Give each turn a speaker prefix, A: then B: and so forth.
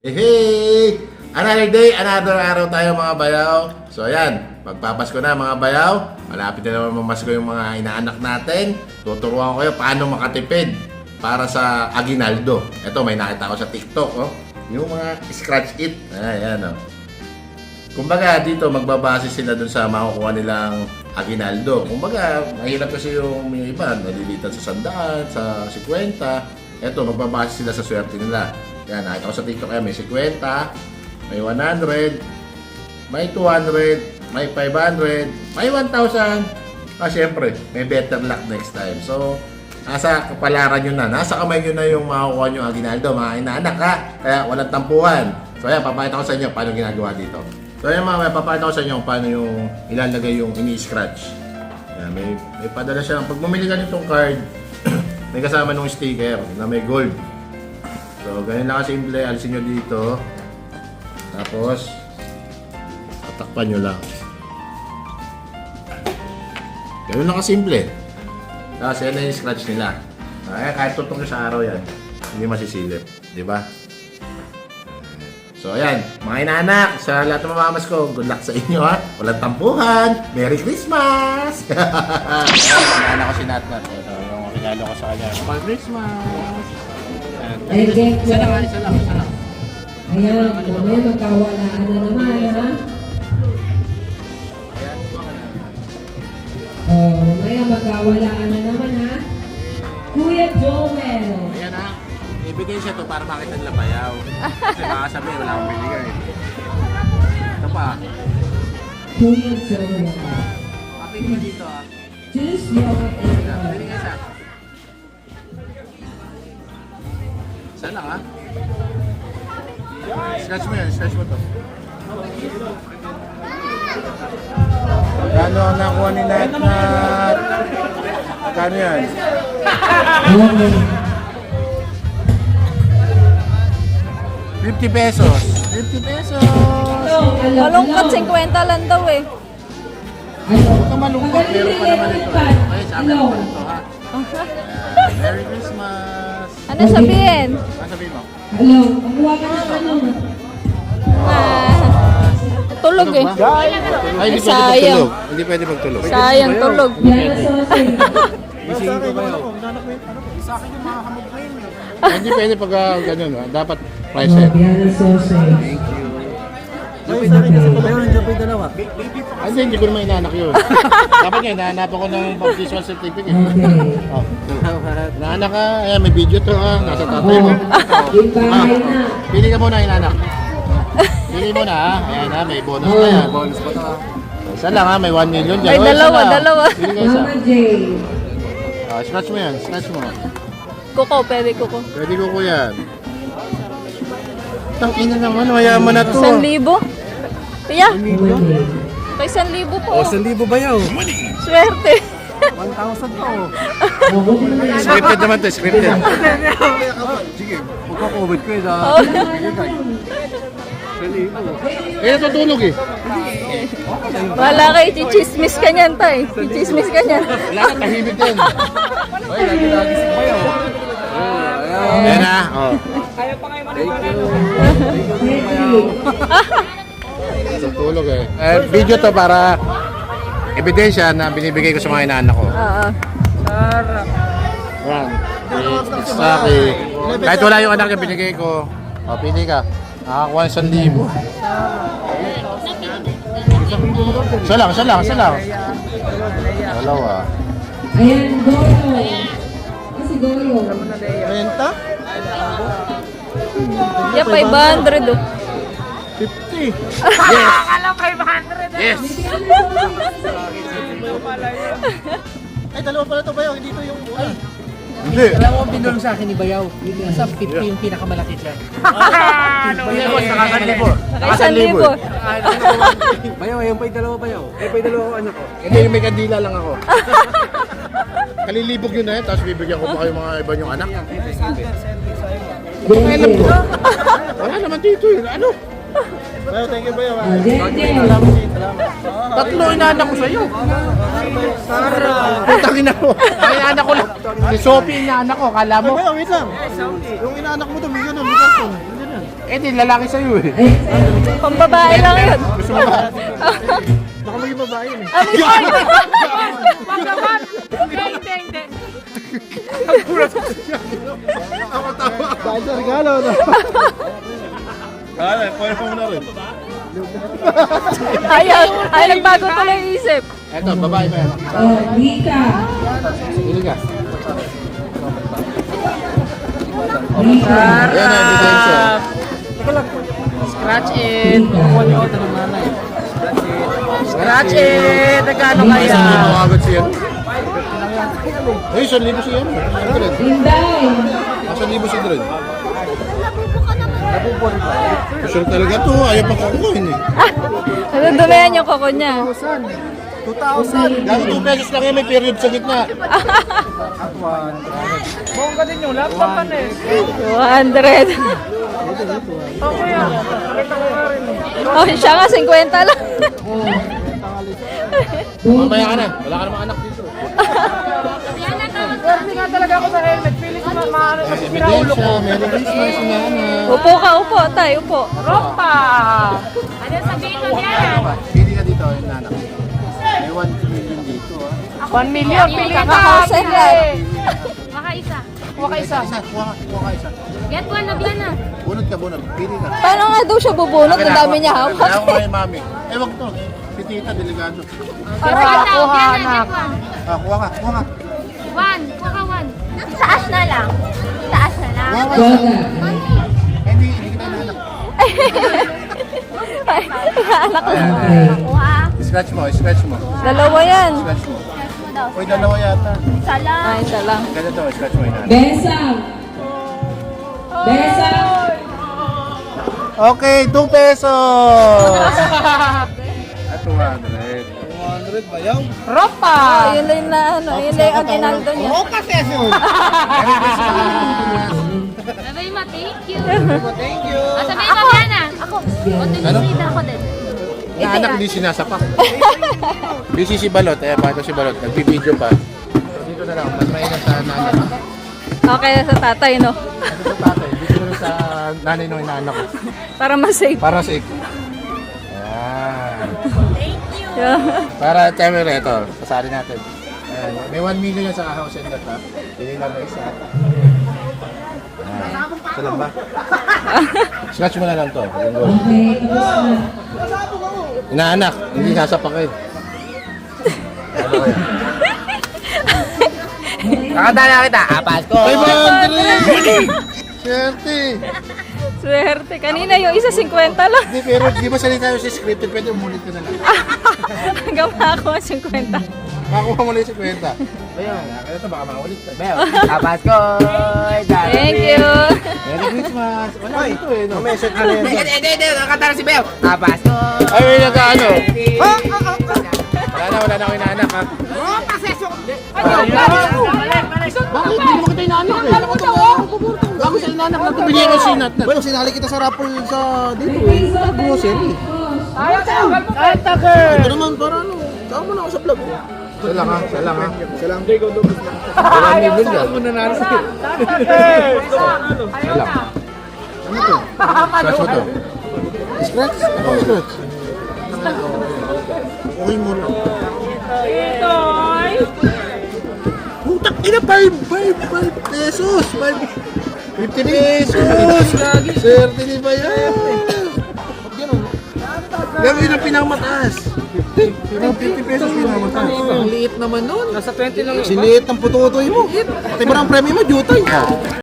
A: Hey! Another day, another araw tayo mga bayaw. So ayan, magpapasko na mga bayaw. Malapit na naman mamasko yung mga inaanak natin. Tuturuan ko kayo paano makatipid para sa aginaldo. Ito, may nakita ko sa TikTok, oh. Yung mga scratch it. Ayan, oh. Kumbaga dito, magbabase sila dun sa makukuha nilang aginaldo. Kumbaga, mahirap kasi yung iba, nalilitan sa 100, sa 50. Ito, magbabase sila sa swerte nila. Yan, nakita ko sa TikTok kaya may 50, may 100, may 200, may 500, may 1,000. Siyempre, may better luck next time. So, nasa kapalaran nyo na. Nasa kamay nyo na yung makukuha nyo aginaldo. Mga inaanak ha. Kaya walang tampuhan. So, ayan, papakita ko sa inyo paano ginagawa dito. So, ayan mga, papakita ko sa inyo paano yung ilalagay yung ini-scratch. Ayan, may padala siya. Pag bumili ka nitong card, may kasama nung sticker na may gold. So, ganyan lang kasimple. Alisin nyo dito. Tapos, tatakpan nyo lang. Ganyan lang kasimple. Tapos, yan na yung scratch nila. Kahit tutok nyo sa araw yan, hindi masisilip. Diba? So, ayan. Mga inaanak, sa lahat ng mamamas ko, good luck sa inyo ha. Walang tampuhan. Merry Christmas! Inaanak ko si Natnat. Ito, yung regalo ko sa kanya. Merry Christmas!
B: Isa lang. Ayan, mamaya magkawalaan na naman, ha? Mamaya magkawalaan na naman, ha? Kuya Joel!
A: Ayan ha. Ibigay siya to para makita nila bayaw. Kasi baka sabihin, wala akong binigay. Ito pa.
B: Kuya Joel.
A: Kapit mo dito ha.
B: Choose your answer.
A: Pili ka isa. Isa lang ha. Scratch mo yan, scratch mo to. Kano ang nakuha ni Natnat? Kano yan?
B: Okay.
A: 50 pesos. 50 pesos.
C: Malungkot, 50 lang daw eh.
A: Huwag ka malungkot, meron pa naman ito. Ay, sa akin naman ito ha. Ayan, Merry Christmas.
C: Ano sabihin?
A: Ano sabihin mo?
B: Hello, kumuha ka ng ano?
C: Tulog eh.
A: Ay, hindi pwede
C: Sayang.
A: magtulog. Hindi pwede magtulog.
C: Sayang tulog.
B: Yan ang sausage.
A: Isingin ko ba yun? Sa akin yung mga hamog na yun. Hindi pwede pag ganyan. Dapat price set.
B: Yan ang sausage.
D: Ay, sa akin kasi pala yun, nandiyan pa yung dalawa.
A: Ay, hindi ko naman inaanak yun. Dapat nga, inahanapan ko ng baptismal certificate.
B: Okay.
A: Oh. Inaanak ka, ayan, may video to ha. Nasa tatay mo.
B: Yung bahay na.
A: Pili ka muna, inaanak. Pili mo na ha. Ayan ha, may bonus na yan.
D: Bonus pa to ha.
A: Isa lang ha, may 1 million dyan.
C: Ay,
A: Oh, isa
C: dalawa,
A: lang.
C: dalawa.
A: Pili ka isa.
B: Mama J.
A: Scratch mo yan, scratch mo.
C: Kuko, pwede kuko.
A: Pwede ko yan. Tangina naman, mayaman na to.
C: 1,000? Kuya,
B: Okay.
C: kay 1,000 po.
D: O, 1,000 ba yaw?
C: Swerte.
D: 1,000 pa o.
B: Huwag mo naman yan.
A: Scripted naman to, scripted.
D: Sige, magka-COVID ko yun ha.
C: Oh.
A: Eh, natutulog eh.
C: Wala kayo, chichismis ka niyan, tay. Chichismis ka niyan.
A: Wala na, tahimik din.
D: Ay, lagi-lagi si bayaw.
A: Ayan na, oh. Natutulog eh. Video to para ebidensya na binibigay ko sa mga inaanak ko.
C: Oo.
A: Yan. It's Saki. Kahit wala yung anak niya binigay ko. O, pili ka. Nakakuha ng 1,000. Isa lang. Dalawa.
B: Ayan, Goyo. Kasi Goyo.
A: Renta?
C: Yeah, 500 oh.
A: 50. Yes. Yes.
D: Ay, dalawa pala to bayaw, hindi to yung... Ay,
A: Hindi.
D: alam mo ang binulong sa akin ni bayaw. Nasa 50 yung pinakamalaki dyan.
A: Hindi boss, nakasanlibo.
C: Naka 1,000.
D: Bayaw, ayun pa yung dalawa bayaw. Ayun pa yung dalawa ko anak ko.
A: Hindi, may kandila lang ako. Kalilibog yun tapos bibigyan ko pa kayo mga iba yung anak. Alam ko. Wala naman dito eh. Ano?
D: Bayaw, thank you bayaw.
B: Jenjen.
A: Tatlo inaanak ko sa'yo. Putang ina ko. Ang inaanak ko lang. Si Sophie inaanak ko, kala mo.
D: Bayaw, wait lang. Yung inaanak mo to, may ganun, may karton.
A: Eh, di lalaki sa'yo eh.
C: Pambabae lang yun.
A: Gusto mo ba? Baka maging babae yun eh.
C: Ano yun?
D: Wag naman! Hindi.
A: Ako tawa.
E: Dahil sa regalo, no?
A: Kala, pwede mo na rin.
C: Ayaw, nagbago ko lang isip.
A: Eto, babae ba yan?
B: Oh, Rika.
A: Pili ka.
B: Rika.
A: Ayan na, ebidensya.
D: Scratch it. Kukuha niyo ako ng nanay. Scratch it. Nagkano kaya?
A: Isang libo agad siya. Eh, 1,000 siya.
B: Inday.
A: 1,000 si Dredd. Sure talaga to, ayaw pa kukuhin eh.
C: Nadudumihan yung koko niya.
E: 2,000.
A: Dati 2 pesos lang yan, may period sa gitna.
D: Bongga din yung laptop pa na eh.
C: 200.
D: Okay yan. Nakita ko nga rin eh.
C: Oh, siya nga, 50 lang.
A: Mamaya ka na, wala ka namang anak dito.
D: Swerte nga talaga ako sa helmet. Feeling ko maano kasi pinaulo ko.
A: Ebidensya, Merry Christmas, Nana.
C: Upo ka, upo. Tay, upo.
D: Ropa!
A: Pili ka dito, yung nanak. May 1 million dito ah.
D: 1 million. Pili ka
C: Kakakausan lang.
F: Maka isa.
D: Kuha ka isa.
A: Kuha ka isa.
F: Get one na biyan na.
A: Bunod ka, bunod. Pili ka.
C: Paano nga daw siya bubunot? Ang dami niya
A: Kaya
C: hawak.
A: ako kay mami. Eh, wag to. Si tita, delikado.
D: Kuha, anak.
A: Ah, kuha ka, kuha ka.
F: One. Kuha ka one. Taas na lang. Taas na lang.
A: Kuha ka isa.
B: Boga.
A: Hindi kita inanak.
C: Anak lang.
B: Okay.
F: Kuha.
A: Scratch mo, scratch mo.
C: Dalawa yan.
A: Scratch mo. Uy, dalawa yata.
F: Isa lang.
C: Ay, isa lang.
A: Ganito, scratch mo inanak.
B: Besang. Besang.
A: Okay, 2 pesos! At 200.
E: 200 bayaw.
D: Ropa!
C: Oh, yun na yung na, ano, yun na yung aginaldo niya.
E: Oo, kasesyon.
A: Merry Christmas!
F: Sabay ma, thank you.
E: Thank you.
F: Sabay ma, Biana. Ako.
A: Ano?
F: Kontinuida ako din.
A: Naanak di sinasapak. Busy si Balot, eh, paano si Balot? Nagpipideo pa. Dito na lang, mas mainam sa nanay.
C: Okay, sa tatay, no?
A: Dito sa tatay, dito na lang sa nanay ng inaanak ko.
C: Para ma-safe.
A: Para sa ik. Ayan.
C: Yeah.
A: Para, timer ito, pasari natin. Ayan. May 1 million yan sa house and lot, ha? Pili lang na isa. Ayan. Ito lang ba? Scratch mo na lang to. Yung goal.
B: Okay, tapos na.
A: Inaanak, hindi sasapakin. Ano kaya?
D: Nakadala kita. Apas ko.
A: 500! Swerte!
C: Swerte. Kanina yung isa 50 lang.
A: Hindi, pero di ba salita tayo sa scripted, pwede umulit ka na lang.
C: Hanggang ako 50.
A: Makakuha mo na yung 50. Ayun, ito baka maulit ka.
D: Apas ko.
C: Thank you.
A: Merry Christmas! Wala dito eh, no?
E: May set na rin.
D: Hindi. Nakatala si Beo. Apas ko.
A: Ay, may nag-ano? Wala na ako inaanak, ha? Bakit? Hindi mo kita inaanak eh. Bago sa inaanak na bigyan ko sinat na.
E: Well, sinali kita sa raffle sa dito eh. Sa grocery.
D: Ay, taker.
E: Ito naman para ano. Saan mo na ako sa vlog.
A: Isa lang ha, isa lang ha.
E: Isa lang.
A: Wala million yan.
E: Mo nanalo sa
A: Isa lang. Ano to? Scratch mo to. Scratch? Ako scratch. Okay mo lang. Putak ina, 5 pesos! 50 pesos! Swerte ni Bayan! Yan yun ang pinamataas. 50 pesos pinamataas.
E: Ang liit naman nun.
D: Nasa 20 lang yun.
E: Siliit ng pututoy mo. Pati ba ang premyo mo, jutay?